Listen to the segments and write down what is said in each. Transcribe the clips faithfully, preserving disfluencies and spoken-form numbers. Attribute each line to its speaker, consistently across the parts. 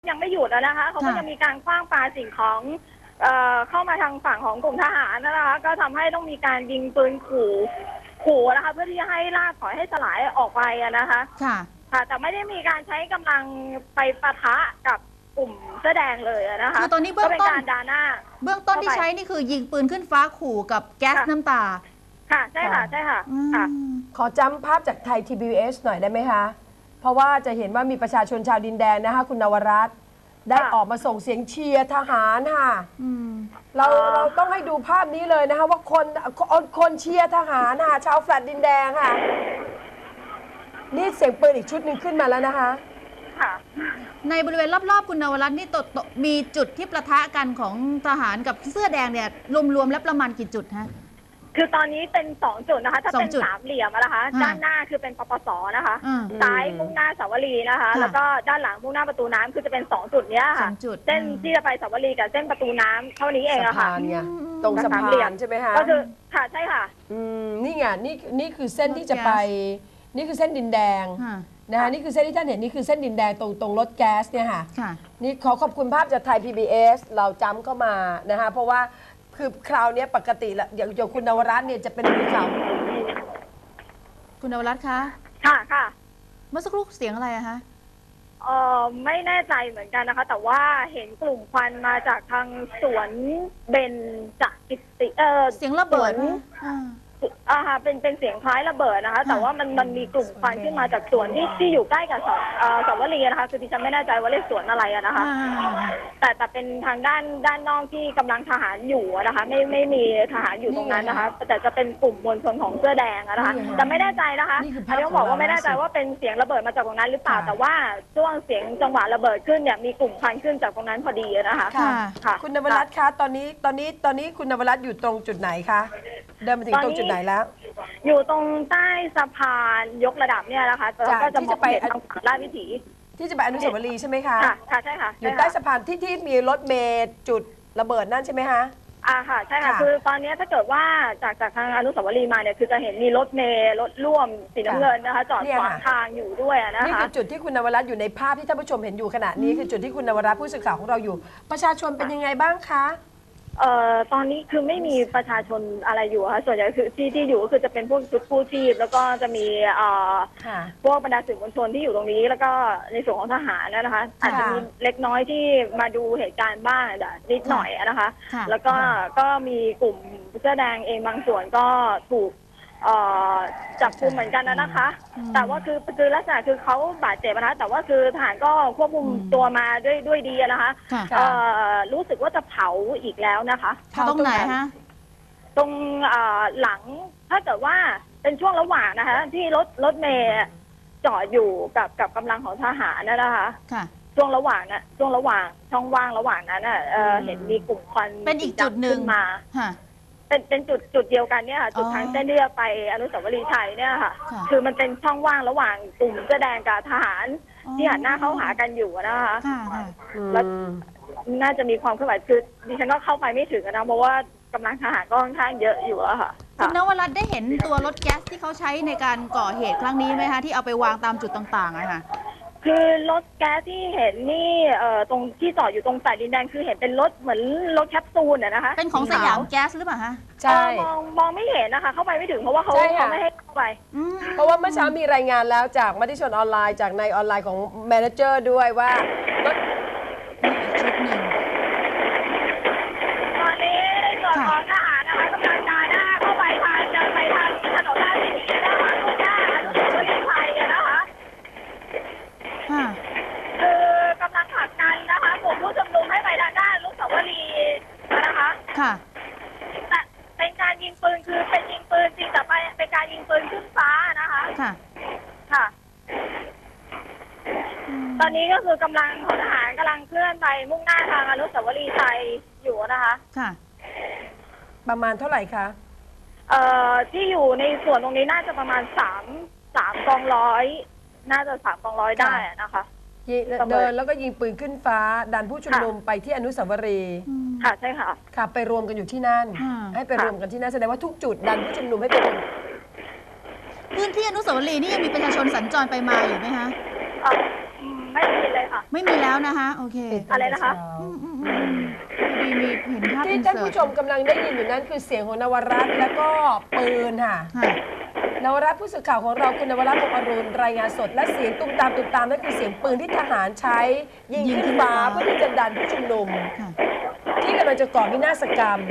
Speaker 1: ยังไม่หยุดนะคะเขาก็จะมีการคว้างปาสิ่งของเอ่อเข้ามาทางฝั่งของกลุ่มทหารนะคะก็ทำให้ต้องมีการยิงปืนขู่ขู่นะคะเพื่อที่จะให้ล่าถอยให้สลายออกไปนะคะ
Speaker 2: ค่ะ
Speaker 1: ค่ะแต่ไม่ได้มีการใช้กำลังไปปะทะกับกลุ่มเสื้อแดงเลยนะคะ
Speaker 2: คือตอนนี้เบื้องต้น
Speaker 1: การดาหน้า
Speaker 2: เบื้องต้นที่ใช้นี่คือยิงปืนขึ้นฟ้าขู่กับแก๊สน้ำตา
Speaker 1: ค่ะใช่ค่ะใช่ค่ะค่ะ
Speaker 3: ขอจำภาพจากไทย ที บี เอส หน่อยได้ไหมคะเพราะว่าจะเห็นว่ามีประชาชนชาวดินแดงนะคะคุณนวรัตน์ได้ออกมาส่งเสียงเชียร์ทหารค่ะเราเราต้องให้ดูภาพนี้เลยนะคะว่าคนคนเชียร์ทหารค่ะชาวแฟลตดินแดงค่ะนี่เสียงปืนอีกชุดหนึ่งขึ้นมาแล้วนะคะ
Speaker 2: ในบริเวณรอบๆคุณนวรัตน์นี่ตมีจุดที่ประทะกันของทหารกับเสื้อแดงเนี่ยรวมๆแล้วประมาณกี่จุดฮะ
Speaker 1: คือตอนนี้เป็นสองจุดนะคะถ้าเป็นสามเหลี่ยมนะคะด้านหน้าคือเป็นปปสนะคะซ้ายมุ่งหน้าสาวรีนะคะแล้วก็ด้านหลังมุ่งหน้าประตูน้ำคือจะเป็นสองจุดนี้ค่ะเส้นที่จะไปสาวรีกับเส้นประตูน้ำเท่านี้เองอะค่ะ
Speaker 3: ตรงสะพานใช่ไหมคะ
Speaker 1: ก็คือค่ะใช่ค่ะ
Speaker 3: อืมนี่ไงนี่นี่คือเส้นที่จะไปนี่คือเส้นดินแดงนะคะนี่คือเส้นที่ท่านเห็นนี่คือเส้นดินแดงตรงตรงรถแก๊สเนี่ยค่ะนี่ขอขอบคุณภาพจากไทย พี บี เอส เราจำเข้ามานะคะเพราะว่าคือคราวนี้ปกติละอย่างอย่างคุณนวรัตน์เนี่ยจะเป็นมือข่าว
Speaker 2: คุณนวรัตน์คะ
Speaker 1: ค่ะค่ะ
Speaker 2: เมื่อสักครู่เสียงอะไรอะคะ
Speaker 1: เออไม่แน่ใจเหมือนกันนะคะแต่ว่าเห็นกลุ่มควันมาจากทางสวนเบนจากกิติเออ
Speaker 2: เสียงระเบิด
Speaker 1: อ่าค่ะเป็นเป็นเสียงคล้ายระเบิดนะคะแต่ว่ามันมันมีกลุ่มควันขึ้นมาจากสวนที่ที่อยู่ใกล้กับสาวรีนะคะคือดิฉันไม่แน่ใจว่าเรียกสวนอะไรนะคะแต่แต่เป็นทางด้านด้านนอกที่กำลังทหารอยู่นะคะไม่ไม่มีทหารอยู่ตรงนั้นนะคะแต่จะเป็นกลุ่มมวลชนของเสื้อแดงนะคะแต่ไม่แน่ใจนะคะอันนี้ต้องบอกว่าไม่แน่ใจว่าเป็นเสียงระเบิดมาจากตรงนั้นหรือเปล่าแต่ว่าช่วงเสียงจังหวะระเบิดขึ้นเนี่ยมีกลุ่มควันขึ้นจากตรงนั้นพอดีนะคะ
Speaker 3: ค่ะคุณนวรัตน์คะตอนนี้ตอนนี้ตอนนี้คุณนวรัตน์อยู่ตรงจุดไหนคะเดินมาถึงตรงจุดไหนแล้ว
Speaker 1: อยู่ตรงใต้สะพานยกระดับเนี่ยนะคะแล้วก็จะมองเห็นทางฝั่งลาดวิถี
Speaker 3: ที่จะไปอนุสาวรีย์ใช่ไหมคะ
Speaker 1: ค่ะใช่ค่ะ
Speaker 3: อยู่ใต้สะพานที่ที่มีรถเมล์จุดระเบิดนั่นใช่ไหมคะ
Speaker 1: อ่าค่ะใช่ค่ะคือตอนนี้ถ้าเกิดว่าจากจากทางอนุสาวรีย์มาเนี่ยคือจะเห็นมีรถเมล์รถร่วมสีน้ำเงินนะคะจอดขวางทางอยู่ด้วยนะคะ
Speaker 3: นี่คือจุดที่คุณนวรัตน์อยู่ในภาพที่ท่านผู้ชมเห็นอยู่ขณะนี้คือจุดที่คุณนวรัตน์ผู้สื่อข่าวของเราอยู่ประชาชนเป็นยังไงบ้างคะ
Speaker 1: เอ่อตอนนี้คือไม่มีประชาชนอะไรอยู่ค่ะส่วนใหญ่คือที่ที่อยู่ก็คือจะเป็นพวกชุดกู้ชีพแล้วก็จะมีเอ่อพวกบรรดาสื่อมวลชนที่อยู่ตรงนี้แล้วก็ในส่วนของทหารนะคะอาจจะมีเล็กน้อยที่มาดูเหตุการณ์บ้างนิดหน่อยนะคะแล้วก็ก็มีกลุ่มเสื้อแดงเองบางส่วนก็ถูกจับกุมเหมือนกันนะคะแต่ว่าคือคือลักษณะคือเขาบาดเจ็บนะคะแต่ว่าคือทหารก็ควบคุมตัวมาด้วยด้วยดีนะคะรู้สึกว่าจะเผาอีกแล้วนะคะ
Speaker 2: ตรงไหนฮะ
Speaker 1: ตรงหลังถ้าเกิดว่าเป็นช่วงระหว่างนะคะที่รถรถเมย์จอดอยู่กับกับกำลังของทหารนะคะช่วงระหว่างนะช่วงระหว่างช่องว่างระหว่างนั้นน่ะเห็นมีกลุ่มควัน
Speaker 2: เป็นอีกจุดหนึ่ง
Speaker 1: มาเป็นเป็นจุดจุดเดียวกันเนี่ยค่ะจุดทางเส้นเลือดไปอนุสาวรีย์ชัยเนี่ยค่ะคือมันเป็นช่องว่างระหว่างกลุ่มเสื้อแดงกับทหารที่หันหน้าเข้าหากันอยู่นะคะแล้วน่าจะมีความเคลื่อนไหวคือดิฉันก็เข้าไปไม่ถึงนะเพราะว่ากำลังทหารก็ค่อนข้างเยอะอยู่อะค่ะ
Speaker 2: คุณนวรัตน์ได้เห็นตัวรถแก๊สที่เขาใช้ในการก่อเหตุครั้งนี้ไหมคะที่เอาไปวางตามจุดต่างๆอะค่ะ
Speaker 1: คือรถแก๊สที่เห็นนี่เอ่อตรงที่จอดอยู่ตรงสายดินแดงคือเห็นเป็นรถเหมือนรถแคปซูลนะคะ
Speaker 2: เป็นของสยามแก๊สหรือเปล่าคะ
Speaker 3: ใช่
Speaker 1: มองมองไม่เห็นนะคะเข้าไปไม่ถึงเพราะว่าเขาเขาไม่ให้เข้าไป
Speaker 3: เพราะว่าเมื่อเช้ามีรายงานแล้วจากมติชนออนไลน์จากในออนไลน์ของแมเนเจอร์ด้วยว่ารถ
Speaker 2: ชุดหนึ่ง
Speaker 1: ตอนนี้ในส่วนของทหารนะคะกำลังการหน้าเข้าไปทางเดินไปทางถนนราชวิถีนะคะตรงหน้าอนุสาวรีย์ชัยนะคะคือกำลังผลักดันนะคะกลุ่มผู้ชุมนุมให้ไปทางด้านอนุสาวรีย์นะคะ
Speaker 2: ค่ะ
Speaker 1: แต่เป็นการยิงปืนคือเป็นยิงปืนจริงแต่เป็นการยิงปืนขึ้นฟ้านะคะ
Speaker 2: ค่ะ
Speaker 1: ค่ะตอนนี้ก็คือกำลังของทหารกำลังเคลื่อนไปมุ่งหน้าทางอนุสาวรีย์ชัยอยู่นะคะ
Speaker 2: ค่ะ
Speaker 3: ประมาณเท่าไหร่คะ
Speaker 1: เอ่อที่อยู่ในส่วนตรงนี้น่าจะประมาณสามสามกองร้อยน่าจะสามกองร้อยได้นะคะ
Speaker 3: เดินแล้วก็ยิงปืนขึ้นฟ้าดันผู้ชุมนุมไปที่อนุสาวรีย์
Speaker 1: ค่ะใช่ค่ะ
Speaker 3: ค่ะไปรวมกันอยู่ที่นั่นให้ไปรวมกันที่นั่นแสดงว่าทุกจุดดันผู้ชุมนุมให้ไปรวม
Speaker 2: พื้นที่อนุสาวรีย์นี่ยังมีประชาชนสัญจรไปมาอยู่ไหมคะ
Speaker 1: ไไม่มีเลยค่ะ
Speaker 2: ไม่มีแล้วนะคะโอเค
Speaker 1: อะไรนะคะ
Speaker 2: อืมอืมอืมดีมีเห็นภาพ
Speaker 3: ที่ท่านผู้ชมกำลังได้ยินอยู่นั้นคือเสียงของนวรัตน์แล้วก็ปืนค่ะ
Speaker 2: ค่ะ
Speaker 3: นวรัตน์ผู้สื่อข่าวของเราคุณนวรัตน์พงษ์อรุณรายงานสดและเสียงตุ้มตามตุ้มตามนั่นคือเสียงปืนที่ทหารใช้ยิงขึ้นฟ้าเพื่อที่จะดันผู้ชุมนุม
Speaker 2: ค่ะ
Speaker 3: ที่กำลังจะก่อวินาศกรรม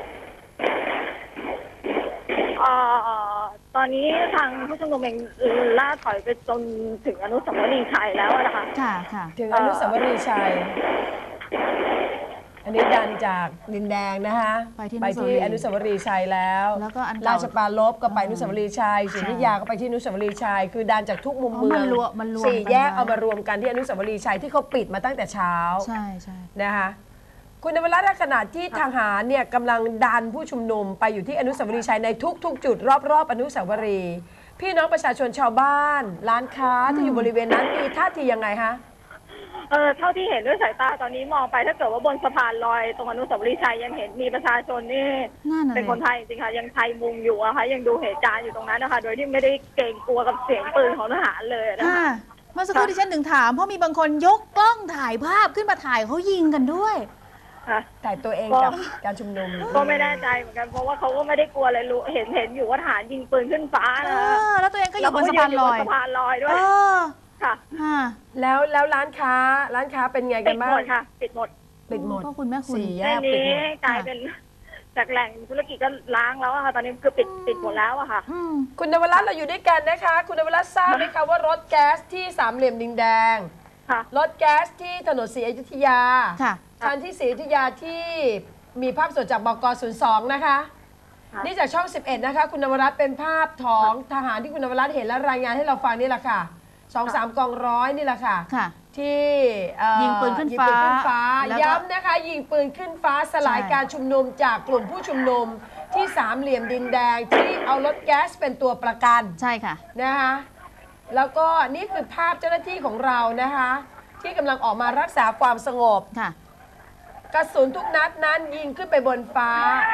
Speaker 1: เอ่อตอนนี้ทางผู้ชุมนุมเองล่าถอยไปจนถึงอนุสาวรีย์ชัยแล้วนะคะ
Speaker 2: ค่ะค่ะ
Speaker 3: ถึงอนุสาวรีย์ชัย อันนี้ดันจากดินแดงนะคะ
Speaker 2: ไปที่
Speaker 3: ไปที่อนุสาวรีย์ชัยแล้ว
Speaker 2: แล้วก็อันเก่า
Speaker 3: ราชปรารภก็ไปอนุสาวรีย์ชัยศรีอยุธยาก็ไปที่อนุสาวรีย์ชัยคือดันจากทุกมุม
Speaker 2: อ๋อ
Speaker 3: เมื
Speaker 2: มั
Speaker 3: อง
Speaker 2: นรวมมันรวม
Speaker 3: สี่
Speaker 2: กัน
Speaker 3: แยก
Speaker 2: ไว้
Speaker 3: เอามารวมกันที่อนุสาวรีย์ชัยที่เขาปิดมาตั้งแต่เช้า
Speaker 2: ใช่ใช่
Speaker 3: นะคะคุณนวรัตน์ขณะที่ทหารเนี่ยกำลังดันผู้ชุมนุมไปอยู่ที่อนุสาวรีย์ชัยในทุกๆ จุดรอบๆอนุสาวรีย์พี่น้องประชาชนชาวบ้านร้านค้าที่อยู่บริเวณนั้นมีท่าทียังไงคะ
Speaker 1: เออเท่าที่เห็นด้วยสายตาตอนนี้มองไปถ้าเกิดว่าบนสะพานลอยตรงอนุสาวรีย์ชัยยังเห็นมีประชาชนนี่
Speaker 2: นั่นน่ะ
Speaker 1: เป็นคนไทยจริงๆค่ะยังไทยมุงอยู่อะค่ะยังดูเหตุการณ์อยู่ตรงนั้นนะคะโดยที่ไม่ได้เกรงกลัวกับเสียงปืนของทหารเลยนะ
Speaker 2: ค่ะ
Speaker 1: คะ
Speaker 2: เมื่อสักครู่ที่ฉันถึงถามเพราะมีบางคนยกกล้องถ่ายภาพขึ้นมาถ่ายเขายิงกันด้วย
Speaker 1: ค่ะ
Speaker 3: ถ่ายตัวเอง
Speaker 1: ก็
Speaker 3: กับการชุมนุม
Speaker 1: ก็ไม่แน่ใจเหมือนกันเพราะว่าเขาก็ไม่ได้กลัวอะไรรู้เห็นเห็นอยู่ว่าทหารยิงปืนขึ้นฟ้า
Speaker 2: เอ
Speaker 1: นะคะ
Speaker 2: อ แล้วตัวเองก็อยู่บนสะพานลอย
Speaker 1: แล้วก็ยืนอยู่บนสะพานลอยด้ว
Speaker 2: เอย อ
Speaker 1: ค่ะ
Speaker 2: ค่ะ
Speaker 3: แล้วแล้วร้านค้าร้านค้าเป็นไง
Speaker 1: ปิ
Speaker 3: กัน
Speaker 1: ด
Speaker 3: บ้า
Speaker 1: หม
Speaker 3: ง
Speaker 1: ดค่ะปิดหมด
Speaker 3: ปิดหมด
Speaker 2: พ่อคุณแม่คุณ
Speaker 3: สี่แย
Speaker 1: ใน
Speaker 3: กปิด
Speaker 1: นี้
Speaker 3: หมด
Speaker 1: กลายเป็นจากแหล่งธุรกิจก็ล้างแล้วอะค่ะ ตอนนี้คือปิดปิดหมดแล้วอะค่ะ
Speaker 2: อืม
Speaker 3: คุณนวรัตน์เราอยู่ด้วยกันนะคะ คุณนวรัตน์ทราบไหมคะว่ารถแก๊สที่สามเหลี่ยมดินแดง
Speaker 1: ค่ะ
Speaker 3: รถแก๊สที่ถนนศรีอยุธยา
Speaker 2: ค่ะ
Speaker 3: คันที่ศรีอยุธยาที่มีภาพสดจากบก.ศูนย์สองนะคะ
Speaker 1: ค่ะ
Speaker 3: นี่จากช่องสิบเอ็ดนะคะคุณนวรัตน์เป็นภาพของทหารที่คุณนวรัตน์เห็นและรายงานให้เราฟังนี่แหละค่ะสองสามกองร้อยนี่แหละค่ะ
Speaker 2: ค่ะ
Speaker 3: ที่เอ่อ
Speaker 2: ยิงปืนขึ้น
Speaker 3: ยิง
Speaker 2: ฟ้า
Speaker 3: ปืนขึ้นฟ้า
Speaker 2: แล้วก็
Speaker 3: ย้ำนะคะยิงปืนขึ้นฟ้าสลาย
Speaker 2: ใช่
Speaker 3: การชุมนุมจากกลุ่มผู้ชุมนุมที่สามเหลี่ยมดินแดงที่เอารถแก๊สเป็นตัวประกัน
Speaker 2: ใช่ค่ะ
Speaker 3: นะคะแล้วก็นี่คือภาพเจ้าหน้าที่ของเรานะคะที่กำลังออกมารักษาความสงบ
Speaker 2: ค่ะ
Speaker 3: กระสุนทุกนัดนั้นยิงขึ้นไปบนฟ้า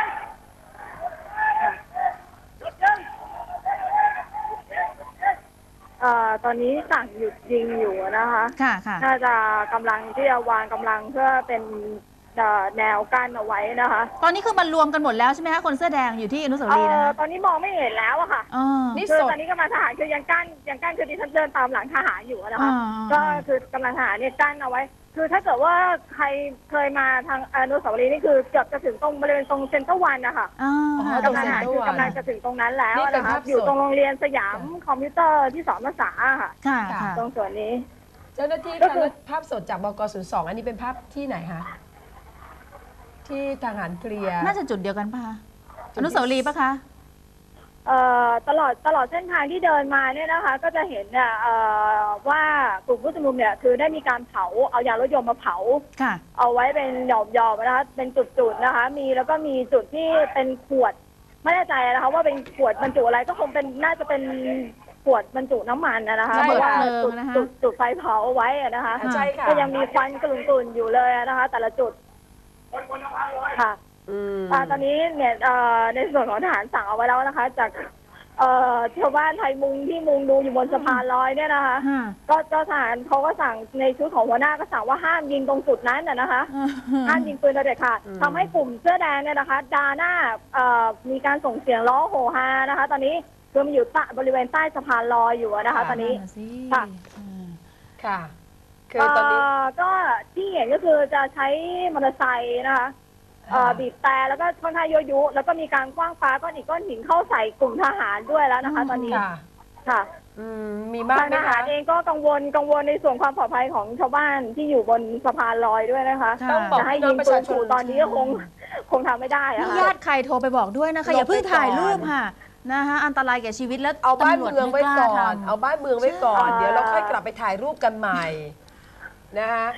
Speaker 1: เอ่อตอนนี้สั่งหยุดยิงอยู่นะคะ
Speaker 2: ค่ะ ค่ะ
Speaker 1: น่าจะกำลังที่จะวางกำลังเพื่อเป็นเอ่อแนวกั้นเอาไว้นะคะ
Speaker 2: ตอนนี้คือมันรวมกันหมดแล้วใช่ไหมคะคนเสื้อแดงอยู่ที่อนุสาว
Speaker 1: เอ่
Speaker 2: รีย์นะ
Speaker 1: อ
Speaker 2: คะ
Speaker 1: ตอนนี้มองไม่เห็นแล้วอะค่ะ
Speaker 2: อ๋อ
Speaker 3: นี่
Speaker 1: คือ
Speaker 3: สด
Speaker 1: ตอนนี้กำลังทหารคือยังกั้นยังกั้นคือดิฉันเดินตามหลังทหารอยู่นะคะ
Speaker 2: อ่า
Speaker 1: ก็คือกำลังทหารเนี่ยกั้นเอาไว้ คือถ้าเกิดว่าใครเคยมาทางอนุสาวรีย์นี่คือเกือบจะถึงตรงบริเวณตรงเซ็นเตอร์วันนะคะ
Speaker 2: อ๋อ
Speaker 3: อ๋อ
Speaker 2: ค่ะ
Speaker 1: กำลังทหารคือกำลังจะถึงตรงนั้นแล้ว
Speaker 3: นี่เป็น
Speaker 1: นะคะ
Speaker 3: ภาพสด
Speaker 1: อยู่ตรงโรงเรียนสยามคอมพิวเตอร์ที่สอนภาษาค่ะ
Speaker 2: ค่ะ ค่ะ
Speaker 1: ตรงส่วนนี้
Speaker 3: เจ้าหน้าที่
Speaker 1: ก็
Speaker 3: ค่ะ
Speaker 1: คือ
Speaker 3: แล้วภาพสดจากบก.ศูนย์สองอันนี้เป็นภาพที่ไหนคะที่ทหารเคลียร์
Speaker 2: น่าจะจุดเดียวกันป่ะคะ
Speaker 3: จุดที่
Speaker 2: อนุสาวรีย์ป่ะคะ
Speaker 1: เอ่อตลอดตลอดเส้นทางที่เดินมาเนี่ยนะคะ ก็จะเห็นเนี่ยเอ่อว่ากลุ่มผู้ชุมนุมเนี่ยคือได้มีการเผาเอายางรถยนต์มาเผา
Speaker 2: ค่ะ
Speaker 1: เอาไว้เป็นหย่อมๆนะคะเป็นจุดๆนะคะ มีแล้วก็มีจุดที่เป็นขวดไม่แน่ใจนะคะว่าเป็นขวดบรรจุอะไรก็คงเป็นน่าจะเป็นขวดบรรจุน้ำมันนะคะ
Speaker 2: ระ
Speaker 1: เพ
Speaker 2: เบิด
Speaker 1: ราะว่า
Speaker 2: เพลิง
Speaker 1: จุด
Speaker 2: นะคะ
Speaker 1: จุดจุดไฟเผาเอาไว้อะนะคะ
Speaker 3: อ่าใช่ค่ะ
Speaker 1: ก็ยังมีควันกลุ่นๆอยู่เลยนะคะ แต่ละจุดค่ะ
Speaker 3: อืม
Speaker 1: อ่าตอนนี้เนี่ยเอ่อในส่วนของทหารสั่งเอาไว้แล้วนะคะ จากเอ่อชาวบ้านไทยมุงที่มุงดูอยู่บนสะพานลอยเนี่ยนะคะ
Speaker 2: ค่ะ
Speaker 1: ก็เจ้าทหารเขาก็สั่งในชุดของหัวหน้าก็สั่งว่าห้ามยิงตรงจุดนั้นน่ะนะคะ ห้ามยิงปืนโดยเด็ดขาดทำให้กลุ่มเสื้อแดงเนี่ยนะคะดาหน้าเอ่อมีการส่งเสียงร้องโหฮานะคะ ตอนนี้คือมันอยู่ใต้บริเวณใต้สะพานลอยอยู่อะนะคะ ตอนนี้
Speaker 2: สิ
Speaker 1: ค่ะ
Speaker 2: อืม
Speaker 3: ค่ะ คือตอนนี้
Speaker 1: เอ่อก็ที่เห็นก็คือจะใช้มอเตอร์ไซค์นะคะเอ่อ
Speaker 3: ค่ะ
Speaker 1: บีบแต่แล้วก็ค่อนข้างยั่วยุแล้วก็มีการคว้างปาก้อนหินก้อนหินเข้าใส่กลุ่มทหารด้วยแล้วนะคะ ตอนนี้
Speaker 3: ค่ะ
Speaker 1: ค่ะ
Speaker 3: อืมมีมาก
Speaker 1: ทาง
Speaker 3: ไหม
Speaker 1: ทหา
Speaker 3: คะ
Speaker 1: รเองก็กังวลกังวลในส่วนความปลอดภัยของชาวบ้านที่อยู่บนสะพานลอยด้วยนะคะ
Speaker 2: ค่ะ
Speaker 3: ต้องบอก
Speaker 1: จะให้
Speaker 3: พี่น้
Speaker 1: ยิ
Speaker 3: อง
Speaker 1: ง
Speaker 3: ประ
Speaker 1: ปื
Speaker 3: ชาน ชน
Speaker 1: ขู่ตอนนี้ก็คงคงทำไม่ได้อะ
Speaker 2: นี่
Speaker 1: ค่ะ
Speaker 2: ญาติใครโทรไปบอกด้วยนะคะ อย่าเพิ่งถ่ายรูปค่ะ นะคะ อันตรายแก่ชีวิตแล้ว
Speaker 3: เอาบ้าน
Speaker 2: ตำรวจ
Speaker 3: เมืองไว้
Speaker 2: ม่
Speaker 3: ก่
Speaker 2: ล้า
Speaker 3: อน
Speaker 2: ทำ
Speaker 3: เอาบ้านเมืองไว้ก่อน
Speaker 1: ใช่
Speaker 3: เดี๋ยวเราค่อยกลับไปถ่ายรูปกันใหม่นะคะ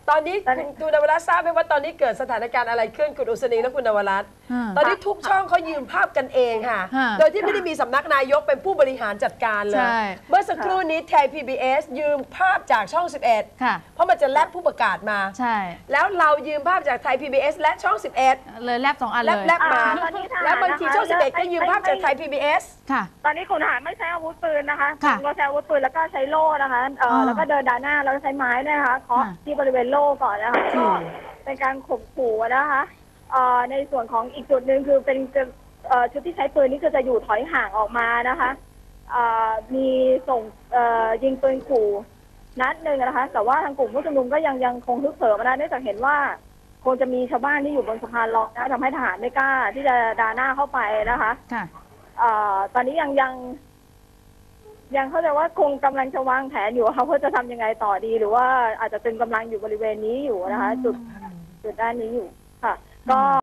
Speaker 3: ตอนนี้คุณคุณนวรัตน์ทราบไหมว่าตอนนี้เกิดสถานการณ์อะไรขึ้นคุณอุศนีและคุณนวรัตน์ตอนนี้ทุกช่องเขายืมภาพกันเองค่ะ โดยที่ไม่ได้มีสำนักนายกเป็นผู้บริหารจัดการเลยเมื่อสักครู่นี้ไทย พี บี เอส ยืมภาพจากช่องสิบเอ็ดเพราะมันจะแลบผู้ประกาศมา
Speaker 2: ใช่
Speaker 3: แล้วเรายืมภาพจากไทย พี บี เอส และช่องสิบเอ็ด
Speaker 2: เลยแลบสองอัน
Speaker 3: แล
Speaker 2: เล
Speaker 3: บ
Speaker 2: ย
Speaker 3: แลบมาแล้วบางทีช่องสิบเอ็ดก็ยืมภาพจากไทย พี บี เอส
Speaker 2: ค่ะ
Speaker 1: ตอนนี้คุณทหารไม่ใช้อาวุธปืนนะคะ
Speaker 2: ค่ะ
Speaker 1: เราใช้อาวุธปืนแล้วก็ใช้โล่นะคะเอ่อแล้วก็เดินด้านหน้าแล้วก็ใช้ไม้ด้วยนะคะเคาะที่บริเวณโล่ก่อนนะคะก็เป็นการข่มขู่นะคะเอ่อในส่วนของอีกจุดหนึ่งคือเป็นเอ่อชุดที่ใช้ปืนนี่คือจะอยู่ถอยห่างออกมานะคะเอ่อมีส่งเอ่อยิงปืนขู่นัดหนึ่งนะคะแต่ว่าทางกลุ่มผู้ชุมนุมก็ยังยังคงฮึกเหิมนะเนื่องจากเห็นว่าคงจะมีชาวบ้านที่อยู่บนสะพานลอยนะทำให้ทหารไม่กล้าที่จะดาหน้าเข้าไปนะคะ
Speaker 2: ค่ะ
Speaker 1: เอ่อตอนนี้ยังยังยังเข้าใจว่าคงกำลังจะวางแผนอยู่เขาเพื่อจะทำยังไงต่อดี หรือว่าอาจจะตึงกำลังอยู่บริเวณนี้อยู่นะคะจุดจุดด้านนี้อยู่ค่ะก็